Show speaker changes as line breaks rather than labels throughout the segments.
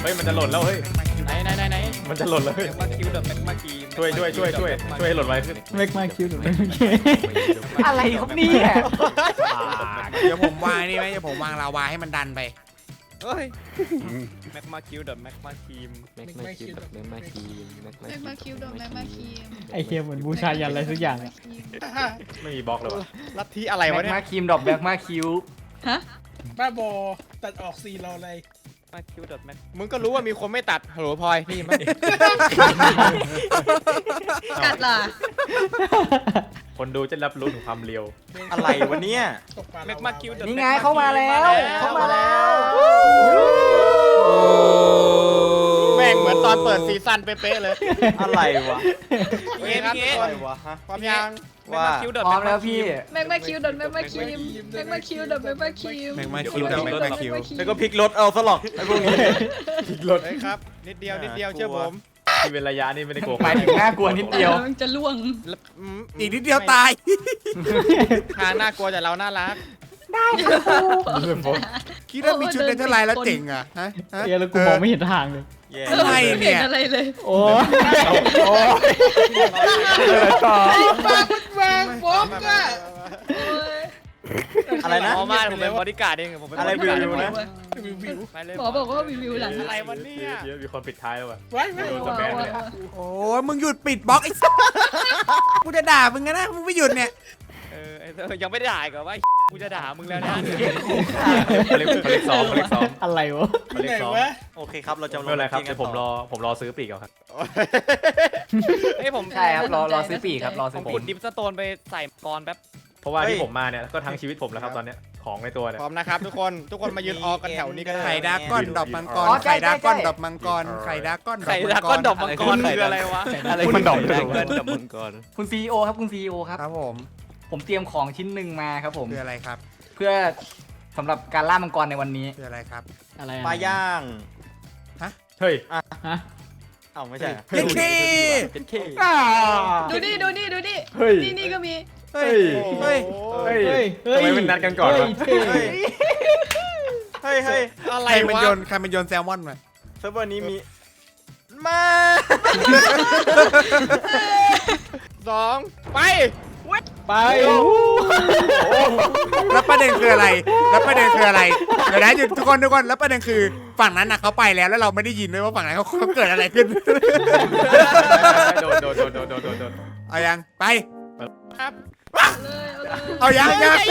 เฮ้ยมันจะหล่นแล้วเฮ้ย
ไหน
มันจะหล่นแล้วเฮ้ย
แม็กมาคิวเดอะแม็กมาคี
ช่วยให้หล่นไวขึ้น
เมกมาคิวหรือไม่
อะไรครับเนี่ย
เดี๋ยวผมวางนี่ไหมเดี๋ยวผมวางลาวาให้มันดันไป
เฮ้ยแม็กมาคิวเดอะแม็กมาคีม
แม็กมาคิวแม็กมาคีม
แม็กมาคิวโดนแม็กมาคิม
ไอเคียเหมือนบูชายันอะไรสักอย่างอะ
ไม่มีบล็อกเลยวะ
ลัทธิอะไร
แม็
วะ
ก
เนี่ย
มาคีมดอกแม็กมาคิว
ฮะ
บ้าบอตัดออก4รออะไร
มาคิวเดอะแม็กมึงก็รู้ว่ามีคนไม่ตัดฮัลโหลพลอยนี่มัน
กัดล่ะ
คนดูจะรับรู้ถึงความเร็ว
อะไรวะเนี่ย
ตกปลา
แม็กมาคิวเดอะ
นี่ไงเข้ามาแล้วเข้ามาแล้ว
แม่งเหมือนตอนเปิดซีซั่นเป๊ะๆเลย
อะไรวะ
เงี้ยเงี้ย
อะไรวะฮะ
พร้อมยัง
ว่า
คิวเดอะ
พร้อมแล้วพี่
แม็กมาคิวโดนแม็กมาคิมแม็กมาคิวโดนแม็กมาคิม
แม็กมาคิวเดอะแม็กมาคิว
แล้วก็พลิกรถเอาซะหรอกไอ้พวกนี้
รถ
เฮ้ยครับนิดเดียวเชื่อผม
ที่เป็นระยะนี่ไม่ได้โกง
ไปถึงน่ากลัวนิดเดียว
มันจะล่วง
อีกนิดเดียวตาย
ทางน่ากลัวแต่เราน่ารัก
คิดว่ามีชุดในเท่าไรแล้วเจ๋งอ่ะฮะ
เอียแล้วกูมองไม่เห็นทางเลย
แย่
อะไร
ไม่
เนี่
เห็น
ย
อะไรเลย
โอ้ต่อ
วางบล็อกอะ
อะไรนะ
หมอมาผมเป็นบริการดเองผมเป็น
อะไร
บริการ
วิวนะ
วิว
ไปเลย
หมอบอกว่าวิวหลัง
อะไรวะเนี่ย
เยอะมีคนปิดท้ายแล้วว่ะ
ไว้ไว้
สแปนเลย
โอ้ยมึงหยุดปิดบล็อกไอ้สัสกูจะด่ามึงนะมึงไม่หยุดเนี่ย
ยังไม่ได้ด่าอีกเหรอว่ากูจะด่ามึงแล้วนะ
เขาเรียกซ้อม
อะไรวะ
ที่ไหนวะ
โอเคครับเราจะ
ไม่เป็นไรครับเดี๋ยวผมรอซื้อปีกเอาครับ
เฮ้ยผม
ใช่ครับรอซื้อปีกครับรอ
ผ
ซื้อ
ม
ปี
ขุ
ก
ดดิฟสโตนไปใส่กรแป๊บ
เพราะว่าที่ผมมาเนี่ยก็ทั้งชีวิตผมแล้วครับตอนเนี้ยของในตัวเนี่ย
พร้อมนะครับทุกคนมายืนออกันแถวนี้ก็ได้
ไข่ดาก้อนดอกมังกรไข่ดาก้อนดอกมังกรไข่ดาก้อน
ไข่ดาก้อนดอกมังกรคืออะไรวะ
อะไรมันดอกดับมังกร
คุณซีโอครับคุณซีโอครับ
ครับผม
ผมเตรียมของชิ้นหนึ่งมาครับผม
คืออะไรครับ
เพื่อสำหรับการล่ามังกรในวันนี้
คืออะไรครับ
อะไร
ปลาย่าง
เฮ้ย
ฮะ
เอ้าไม่ใช่
เย้เค
เป็นเค
ดูดิดูดิดูดิ
เฮ้ย
นี่ก็มี
เฮ้ยเฮ้ย
เฮ้ยทำไมเป็นนัดกันก่อนวะ
เฮ้ย
อะไร
ใครมัน
วะ
โยนแซลมอนมา
เซิร์ฟเวอร์นี้มีมา
2 ไป
ไป
แล้วประเด็นคืออะไรเดี๋ยวนะหยุดทุกคนแล้วประเด็นคือฝั่งนั้นน่ะเขาไปแล้วเราไม่ได้ยินด้วยว่าฝั่งนั้นเขาเกิดอะไรขึ้น
โดน
เอายังไป
ครับ
เลยเอาเลย
เอายัง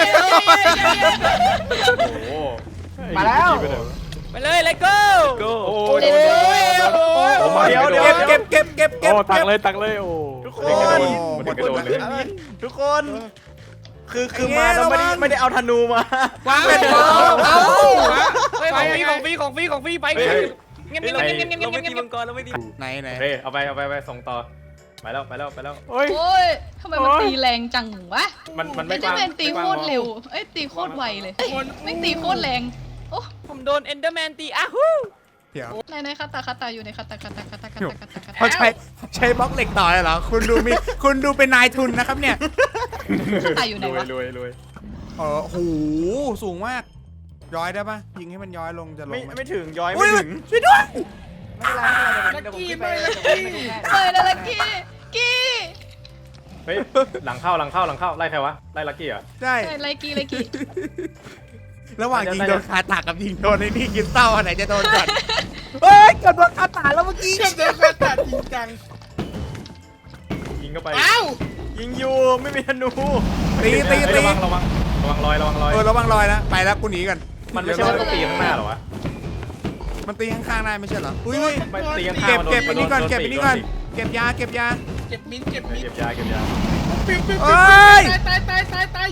โอ้โห
มาแล้ว
ไปเลยเลโก้
โอ้
เดี๋ยว
เก็บ
โอ้ตักเลยโอ้
ทุกค
มันถึงกระโดดเลย
ทุกคนคือมาแล้วไม่ได้เอาธนูมา
ว้าวเป็นบอลเอา
ของฟรีไปเงี้ย
เราไม่ตีมังกรเราไม่ตี
ไหน
โอเคเอาไปส่งต่อไปแล้ว
โอ้ยทำไมมันตีแรงจังวะ
มันไม่
ไอ้
ก
เจ้า
ว้าง
แมนตีโคตรเร็วเอ้ยตีโคตรไวเลยไม่ตีโคตรแรง
ผมโดนเอนเดอร์แมนตีอ้าฮู
เดี๋ยว
ในคาตาอยู่ในคาตา
เขาใช้บล็อกเหล็กต่อเลยเหรอคุณดูเป็นนายทุนนะครับเนี่ย
ตาอยู่ไหนวะ
รวย
โอ้โหสูงมากย้อยได้ปะยิงให้มันย้อยลงจะลง
ไม่ถึงย้อยไม่ถึง
ช่วยด้วย
ไม่เป็นไรไม่เป็นไรเดี๋ยวผมขึ้นไป
เฮ้ยนาฬิกี้
เฮ้ยหลังเข้าไล่ใครวะไล่ลักกี้เหรอ
ใช่
ไลกี้
ระหว่างยิงโดนคาตากับยิงโดนไอ้นี่กินเต้าอันไหนจะโดนก่อนเฮ้ยเกิดโดนคาตาแล้วเมื่อกี้
เชื่อมเดินคาตัดจริงจัง
ยิงเข้าไป
อ้าว
ยิงอยู่ไม่มีธนู
ตี
ระวังรอย
ระวังรอยแล้วไปแล้วกูหนีกัน
มันไม่ใช่ว่าตีข้างหน้าหรอวะ
มันตีข้างๆได้ไม่ใช่เหรออุ้ย
ไม่ตีข้าง
เก็บ
มันโด
เก็บอันนี้ก่อนเก็บอันนี้ก่อนเก็บยา
เก็บมิ้นเก็บมิ้น
เก็บยา
ปิ้ว
เอ้ย
ตาย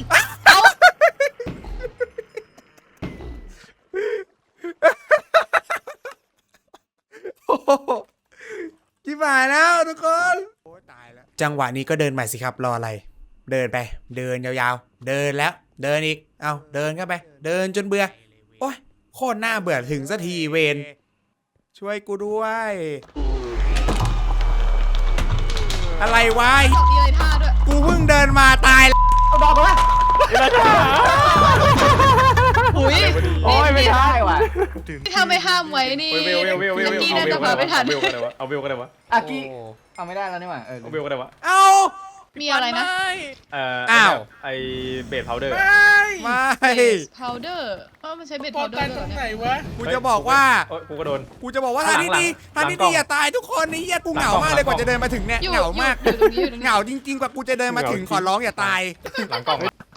ชิบหายแล้วทุกคนตายแล้วจังหวะนี้ก็เดินใหม่สิครับรออะไร เดินไปเดินยาวๆเดินแล้วเดินอีกเอาเดินเข้าไปเดินจนเบื่อโอ๊ยโคตรน่าเบื่อถึงสักทีเวนช่วยกูด้วยอะไรวะ
มีอะไรท่าด้วย
กูเพิ่งเดินมาตายแล้ว
เอาดอกมา
โอ้
อุ้ย
โอ้ยไม่ได้ว่ะ
ถ้าไม่ห้ามไว้นี่
เวล
ลักกี้น่าจะมาไม่ทัน
เอาเวลก็ได้วะ
อากิเอาไม่ได้แล้วนี่หว่า
เอาเวลก็ได้วะ
เอ้า
มีอะไรนะ
อ้าว
ไอเบสพาวเดอร์
ไม่
พาวเดอร์มันใช้เบส
ปอ
พาวเดอ
ตาย
ร์
ตรงไหน
เนี่ยว
ะ
กูจะบอกว่า
กูก็โดน
กูจะบอกว่าทางที่ดีทางที่ดีอย่าตายทุกคนนี่เหี้ยกูเหงามากเลยกว่าจะเดินมาถึงเนี่ย
อยู่
เหงามาก
อยู่ตรงนี้อยู่ตรง
เห
นี้
งาจริงๆกว่ากูจะเดินมาถึงขอร้องอย่าตาย
หลังกล้อง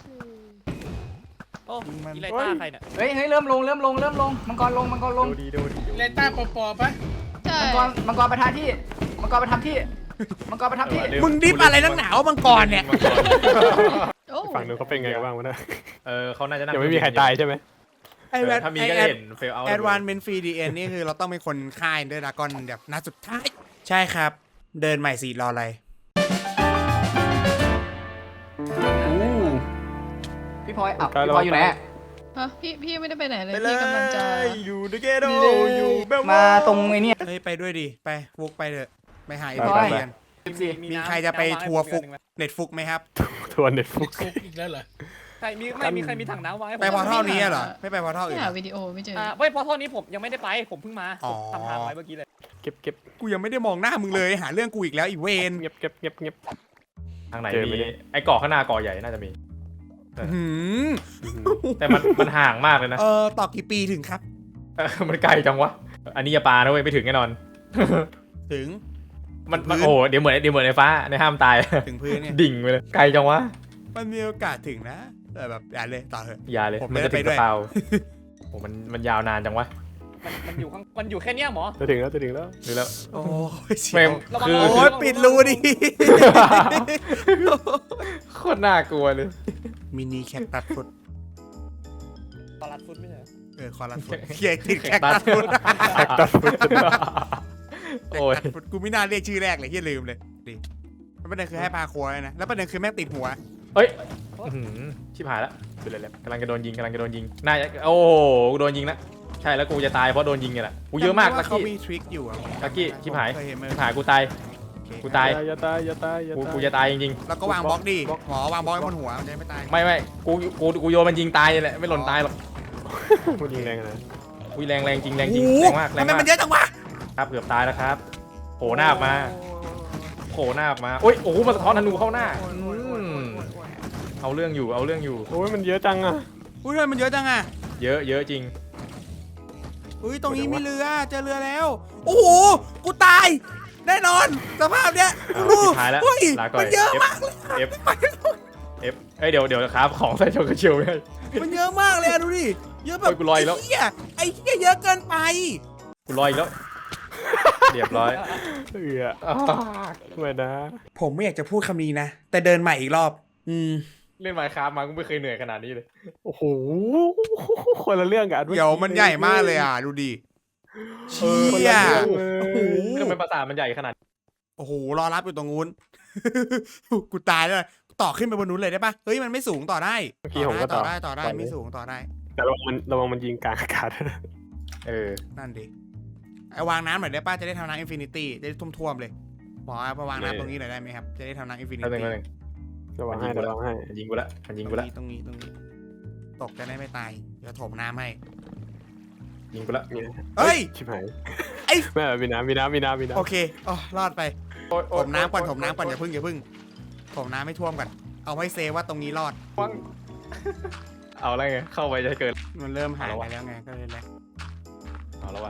โอ้อีไลต้าใครเนี่ย
เฮ้ยเริ่มลงมังกรลง
ดูดี
เลต้าปอปะ
ใช่
มังกรไปทำที่มังกรไปทำที่
มึงดิบอะไรนักหนาวมังกรเนี่ย
โอ้
ฝั่งนู้นเขาเป็นไงกันบ้างวะเนี่ย
เขาน่าจะนั่ง
ยังไม่มีใครตายใช่ไหม
ไอ้แวด
ถ้ามีก็เห็นเฟลเอา
แอดวานเมนฟรีดีเอ็นนี่คือเราต้องเป็นคนค่ายด้วยดากอนแบบนัดสุดท้าย ใช่ครับ เดินใหม่สิรออะไร
พี่พลอยอยู่ไหน
ฮะพี่ไม่ได้ไปไหนเลย
ไปเล
พี่กำลังจะ
ยอยู่ในเกโดอยู่เบล
มาตรงไอ้นี่
เฮ้ยไปด้วยดิไปฟุกไปเถอะไปหาอี
ไป
ก
ไป
เรียนมีใครจะไปทัวร์ฟุกเน็ตฟุกไหมครับ
ทัวร์เน็ตฟุก
ฟุกอีกแล้วเหรอ
ใครมีใครมีถังน้ำไว้
ไปพอเท่านี้เหรอไม่ไปพอเท่าอื่
ไม่
นเหร
หา
อ
วิดีโอไม่เจอ
ไม่พอเท่านี้ผมยังไม่ได้ไปผมเพิ่งมา
อ๋อ
ทำทางไว้เมื่อกี้เลย
เก็บ
กูยังไม่ได้มองหน้ามึงเลยหาเรื่องกูอีกแล้วอีเวน
เงียบ
ทางไหน
เจอไหม
มี
เนี่ย
ไอ้เกาะข้างหน้าเกาะใหญ่น่าจะมี
หืม
แต่มันห่างมากเลยนะ
ต่อกี่ปีถึงครับ
มันไกลจังวะอันนี้อย่าปานะเว้ยไม่ถึงแน่นอน
ถึง
มัน
พื้น
โอ้เดี๋ยวเหมือนในฟ้าในห้ามตาย
ถึงพื้นเนี่ย
ดิ่งไปเลยไกลจังวะ
มันมีโอกาสถึงนะแต่แบบอย่าเลยต่อเถอะ
อย่าเลย
ผม
มันจะ
ไม่
ถึ
ได้
ง
ไปด้วย
กระเป๋าโอ้มันยาวนานจังวะ
มันอยู่แค่เนี้ยหมอ
จะถึงแล้ว
หรือแล้ว
โอ้ยเสี
ไม่
ยว
ระวัง
คือ
โอ้ยปิดรูดิ
โคตรน่ากลัวเลย
มินิแคคตัสฟุต
ตลาดฟุตไม่ใช่
คอรัสฟุตเขียติดแคคตัสฟุต
แท็กตัดฟุต
โอ้ย
แคคตัสฟุตกูไม่น่าเรียกชื่อแรกเลยที่ลืมเลยดิแล้วประเด็นคือให้พาครัวเลยนะแล้วประเด็นคือแม่งติดหัว
เอ้ยอื้อหือชิบหายแล้วเป็นไรแล้วกำลังจะโดนยิงน่าจะโอ้โหกูโดนยิงแล้วใช่แล้วกูจะตายเพราะโดนยิงไงแหละกูเยอะมาก
จำได้
ลั
ว่าก เขา
กี้
มีทริคอยู่อะ
ลักกี้ชิบหาย
เคเห็นไหม
ชิบหายกูตาย กูตาย
อย่าตาย
กูจะตายจริง
แล้วก็วางบล็อกดิหมอวางบล็อกไว้บนหัวมันจะได้ไม่ตาย
ๆไม่กูโยนมันยิงตายเลยแหละไม่หล่นตายหรอก
พูดยิงแรงนะ
อุ้ยแรงจริงแรงจริง
โอ้โห
แรงมากแร
ทำ
ง
ไม
มาก
มันเยอะจังวะ
ครับเกือบตายแล้วครับโผล่หน้าออกมาโผล่หน้าออกมาโอ้ยโอ้โหมันสะท้อนธนูเข้าหน้าเอาเรื่องอยู่
โอ้ยมันเยอะจังอ่ะ
อุ้ยทำไมมันเยอะจังอะ
เยอะจริง
อุ้ยตรงนี้มีเรือเจอเรือแล้วโอ้โหกูตายแน่นอนสภาพเนี้ย
เอาสุดท้ายแล้ว
เฮ้ย
ลาก่อย
มันเยอะมากเลย
F เอ้ยเดี๋ยวครับของใส่โชกระเชียวไม่ได้
มันเยอะมากเลยอะดูดิเยอะแบบ
โอ้ยกูลอยแล้ว
ไอ้เหี้ยเยอะเกินไป
กูลอยอีกแล้วเรียบร้อย
ไม่นะ
ผมไม่อยากจะพูดคำนี้นะ แต่เดินใหม่อีกรอบ
เล่นไมค์คราฟมากูไม่เคยเหนื่อยขนาดนี้เลย
โอ้โหคนละเรื่องกัน
เดี๋ยวมันใหญ่มากเลยอ่ะ ดูดิเชี่ยโอ้โห
ทำไมปราสาทมันใหญ่ขนาดนี้
โอ้โหรอรับอยู่ตรงนู้น กูตายแล้วต่อขึ้นไปบนนู้นเลยได้ปะเฮ้ยมันไม่สูงต่อได้
เมื่อกี้ผมก็ต่อ
ได้ไม่สูงต่อได้
แต่ระวังมันยิงกลางอากาศนะ
นั่นดิไอวางน้ำหน่อยได้ป่ะจะได้ทำน้ำอินฟินิตี้จะได้ท่วมๆเลยหมอมาวางน้ำตรงนี้หน่อยได้ไหมครับจะได้ทำน้ำอินฟินิ
แป๊บนึ
ตี้
ง
ระวังให้
มันยิงกูละ
ตรงนี้ตกจะได้ไม่ตายเดี๋ยวถมน้ำให้
ยิงกูละ
เฮ้ย
ชิบหาย
ไอ้
แม่มีน้ำ
โอเคอ๋อรอดไปถมน้ำก่อนอย่าพึ่งถมน้ำไม่ท่วมก่อนเอาไว้เซฟว่าตรงนี้รอด
เอาอะไรไงเข้าไปจะเกิด
มันเริ่มหายไปแล้วไงก็เลยแหละ
เอาแล้ววะ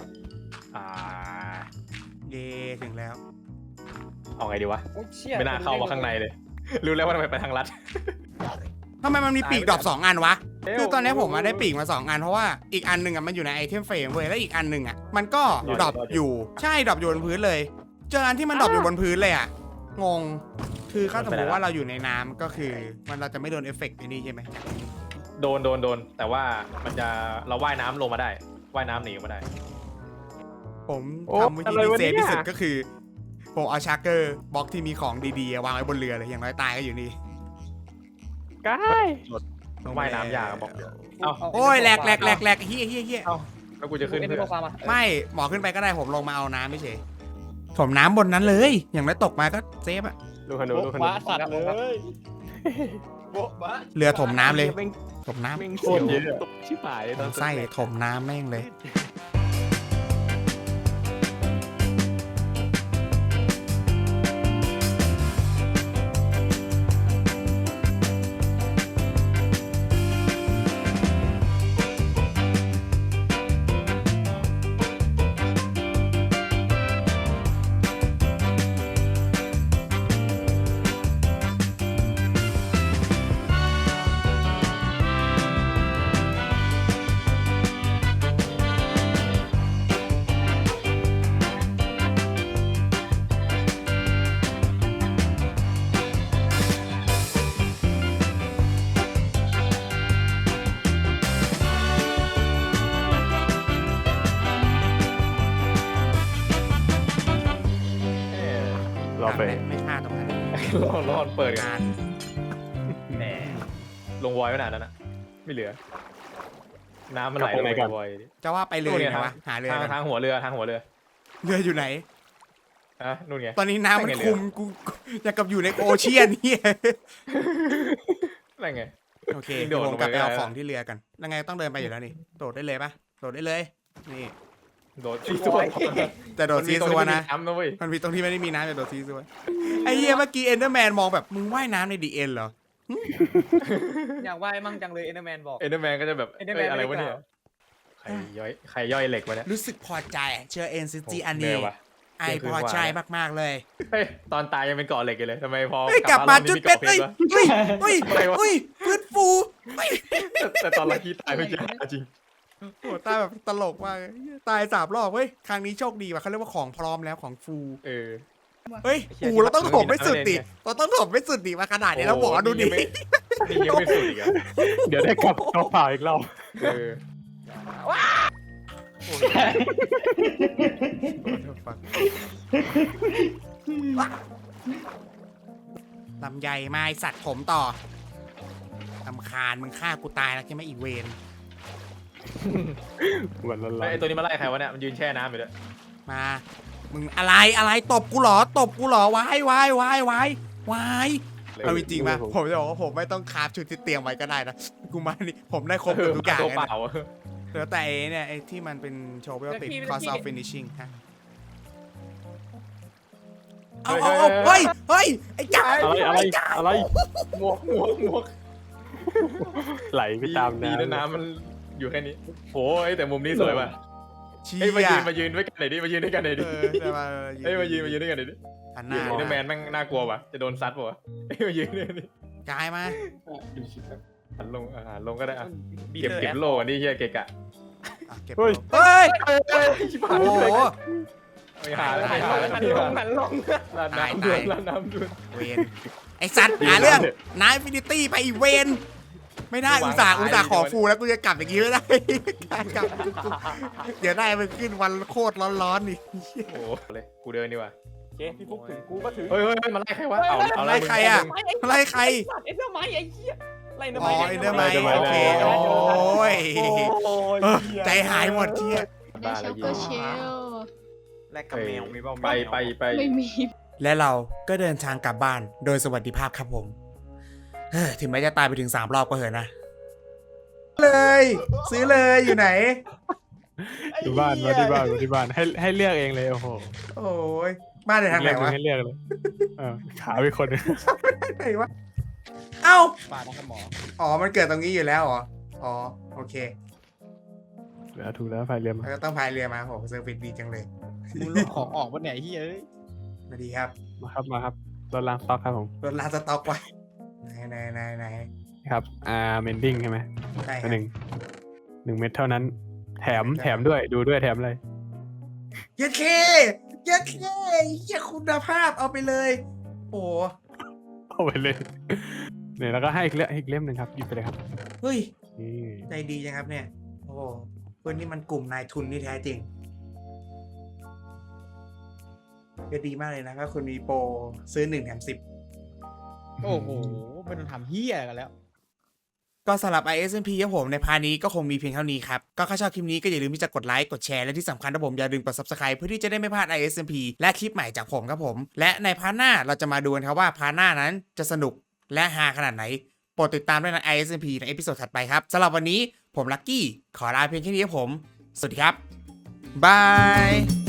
เย่ถึงแล้ว
เอาไงดีวะ
โอ้เชี่ย
ไม่น่าเข้ามาข้างในเลย รู้แล้วว่าทำไมไปทางลัด
ทำไมมันมีปีกดรอป2 อันวะคือตอนนี้ผมมาได้ปีกมา2 อันเพราะว่าอีกอันหนึ่งอ่ะมันอยู่ในไอเทมเฟรมเว้ยแล้วอีกอันหนึ่งอ่ะมันก็ดรอปอยู่ใช่ดรอปอยู่บนพื้นเลย เจออันที่มันดรอปอยู่บนพื้นเลยอ่ะงงคือถ้าสมมติว่าเราอยู่ในน้ำก็คือมันเราจะไม่โดนเอฟเฟกต์ไอ้นี่ใช่ไหม
โดนแต่ว่ามันจะเราว่ายน้ำลงมาได้ว่ายน้ำหนีมาได้
ผมทำวิธีที่เซฟที่สุดก็คือผมเอาชาร์เกอร์บล็อกที่มีของดีๆวางไว้บนเรือเลยอย่างน้อยตายก็อยู่นี่
กาย
ว่ายน้ำยากบอก
โอ้ยแหลกเฮีย
แล้วกูจะขึ้น
เป็น
เพื่
โป
อ
รฟาร์มา
ไม่หมอขึ้นไปก็ได้ผมลงมาเอาน้ำไม่เฉยผมน้ำบนนั้นเลย อย่างน้อยตกมาก็เซฟอะ
ดูขนู
ว้าสัตว์เลย
โบ๊ะบะ
เรือถมน้ำเลย
แม่ง
ถมน้ำ
แม่งโคตรเยอะชิบหายเลยตอน
ไส้ถมน้ำแม่งเลย
รอไป
ไม่ฆ่าตรงนั้น
รอดเปิดกัน
งาน
แหมลงวอยไว้นานแล้วนะไม่เหลือ น้ำมันไหลลงไปวอย
จะว่าไปเรือ
นู่น
อยู่
ไง
ไหนวะหาเรือ
ทาง
กัน
ทางหัวเรือทางหัวเรือ
เรืออยู่ไหน
อะนู่นไง
ตอนนี้น้ำมัน
ไม่ไง
คุมกูอย่างกับอยู่ในโอเชียนนี่
อะไรไง
โอเค
โด
เดี๋ย
ด
ว
ล
ผ
ง
ม
ไป
กลับไปเอา
ได้
ของที่เรือกันยังไงต้องเดินไปอยู่แล้วนี่โดดได้เลยปะโดดได้เลยนี่
โดดซีซัว
แต่โดดซีซัวนะ
น้ำนะเว้ย
มันมีตรงที่ไม่ได้มีน้ำแต่โดดซีซัวไอ้เหี้ยเมื่อกี้เอนเดอร์แมนมองแบบมึงว่ายน้ำในดีเอ็นเหรอ
อยากว่ายมั่งจังเลยเอ็นเดอร์แมนบอก
เอ็นเดอร์แมนก็จะแบบ
Enderman
อะไรวะเนี่ย
ไม่ได้
ใครย่อยเหล็กวะเนี่ย
รู้สึกพอใจเจอเอ็นซิจีอัน
เหนื่
นี้
อยว่ะ
ไอพอใจมากๆเลย
เฮ้ยตอนตายยังเป็นเกาะเหล็กอยู่เลยทำไมพอ
เฮ้ยกลับมาจุดเป็ด
เฮ้
เฮ้
ย
ยเฮ้ยเฮ้ยเฮ้ยฟื้นฟูเฮ้ย
แต่ตอนลักกี้ตายไม่เจอจริง
โหตายแบบตลกมากเลยตาย3 รอบเว้ยครั้งนี้โชคดีว่ะเขาเรียกว่าของพร้อมแล้วของฟู
เออ
เฮ้ยฟูเราต้องถมไม่สุดดิเราต้องถมไม่สุดดิมาขนาดนี้แล้วบอกว่าดูดิ
นี่ยังไม่สุดอีกอ่ะ
เดี๋ยวได้กลับตัวเปล่าอีกรอบ
เออ
ลำใหญ่ไม้สัตว์ผมต่อลำคาญมึงฆ่ากูตายแล้วใช่ไหมอีเวน
วันละ
ไอตัวนี้มาไล่ใครวะเนี่ยมันยืนแช่น้ำอยู่ด้วย
มามึงอะไรตบกูเหรอตบกูเหรอวายวายวายวายวายเอาจริงๆป่ะผมจะบอกว่าผมไม่ต้องคราฟชุดที่เตรียมไว้ก็ได้นะกูมานี่ผมได้ครบทุกอย่าง
ตัว
เลย
เป
นะ
ล่า
เหลือแต่ไอ้เนี่ยไอ้ที่มันเป็นโชว์เวลติดคอสอฟฟินิชิ่งฮะเอาเฮ้ยไอ้จ่า
อะไร
หมวก
ไหลไปตาม
ดีนะ
น้ำ
น้ำมันอยู่แค่นี้โอ้ยแต่มุมนี้สวยป่ะ
เชี่
เฮ้ย
ย
มายืนด้วยกันหน่อยดิมายืนด้วยกันหน่อยดิ
แต่ว่า
เฮ้ยมายืนด้วยกันหน่อยดิ
หันห
ยื
น้าน
เดอร์แมนแม่งน่ากลัวป่ะจะโดนซัดป่ะเฮ้ยมายืนด้วยนี่
กายมา
หันลงก็ได้อ่ะ
บี
เก็บ
เตอร์
เก็บโล่อันนี้เฮียเกะกะ
อ่ะเก็บ
เฮ้ย
เฮ้ย
ชิบ
โอ้
หาย
โห
ไม่หาแล้ว
หั
ไม่หาแล้ว
นลงหันลง
ลาดน้ำด้วยลาดน้ำด้วย
เวนไอสัตว์หาเรื่องนายฟินิตี้ไปอีเวนไม่ได้อุตส่าห์ขอฟูแล้วกูจะกลับอย่างนี้ไม่ได้กลับเดี๋ยวได้มันขึ้นวันโคตรร้อนๆนี่
โอ้เลยกูเดินดีกว่า
โอเคพี่ฟุกถึงกูก็ถึง
เฮ้ยมาไล่ใครวะเอา
ไล่ใครอ่ะไล่ใคร
เอ็นเดอร์ไมไอ้เหี้ยไล่เอ็นเดอร์
อ๋
ไม
อไอเดอร์ไมโอเคโอ้ยใจหายหมดเชี่ย
ได้เชลก็เชล
แลกกับแมวมีเปล่า
ไป
ไม่มี
และเราก็เดินทางกลับบ้านโดยสวัสดิภาพครับผมถึงแม้จะตายไปถึง3 รอบก็เหอะนะเลยซื้อเลยอยู่ไหน
ที่บ้านมาที่บ้านให้เลือกเองเลยโอ้โห
โอ้ยบ้านในทางไหนวะ
ให้เลือกเลยขาไปคนนึง
ไหนวะเอ้า
ปาดนะครับหมอ
อ๋อมันเกิดตรงนี้อยู่แล้วเหรออ๋อโอเค
แล้วถูกแล้วไฟเรือมา
แล้วก็ต้องพายเรือมาโหเซอร์วิสดีจังเลย
มึงลูกของออกวันไหนเฮ้ย
สวัสดีครับ
มาครับรถล้างสต็อกครับผม
รถลาสต็อกไว้ไหน
ครับเมนดิ้งใช่ไหม
ใช่ครับ
หนึ่งเม็ดเท่านั้น แถมด้วยดูด้วยแถมเลย
ยัดเคเหี้ยคุณภาพเอาไปเลย โอ้
เอาไปเลยเนี่ยแล้วก็ให้อีกเล่มหนึ่งครับหยิบไปเลยครับ
เฮ้ย
นี่
ใจดีจังครับเนี่ยโอ้เพื่อนนี่มันกลุ่มนายทุนที่แท้จริงก็ดีมากเลยนะถ้าคุณมีโปรซื้อ1 แถม 10
โอ้โหไม่ต้องทำเฮียกันแล้ว
ก็สำหรับ ISMP ครับผมในพาร์ทนี้ก็คงมีเพียงเท่านี้ครับก็ถ้าชอบคลิปนี้ก็อย่าลืมที่จะกดไลค์กดแชร์และที่สำคัญนะผมอย่าลืมกด Subscribe เพื่อที่จะได้ไม่พลาด ISMP และคลิปใหม่จากผมครับผมและในพาร์ทหน้าเราจะมาดูกันครับว่าพาร์ทหน้านั้นจะสนุกและฮาขนาดไหนโปรดติดตามด้วยใน ISMP ในเอพิโซดถัดไปครับสำหรับวันนี้ผมลักกี้ขอลาเพียงแค่นี้ครับผมสวัสดีครับบาย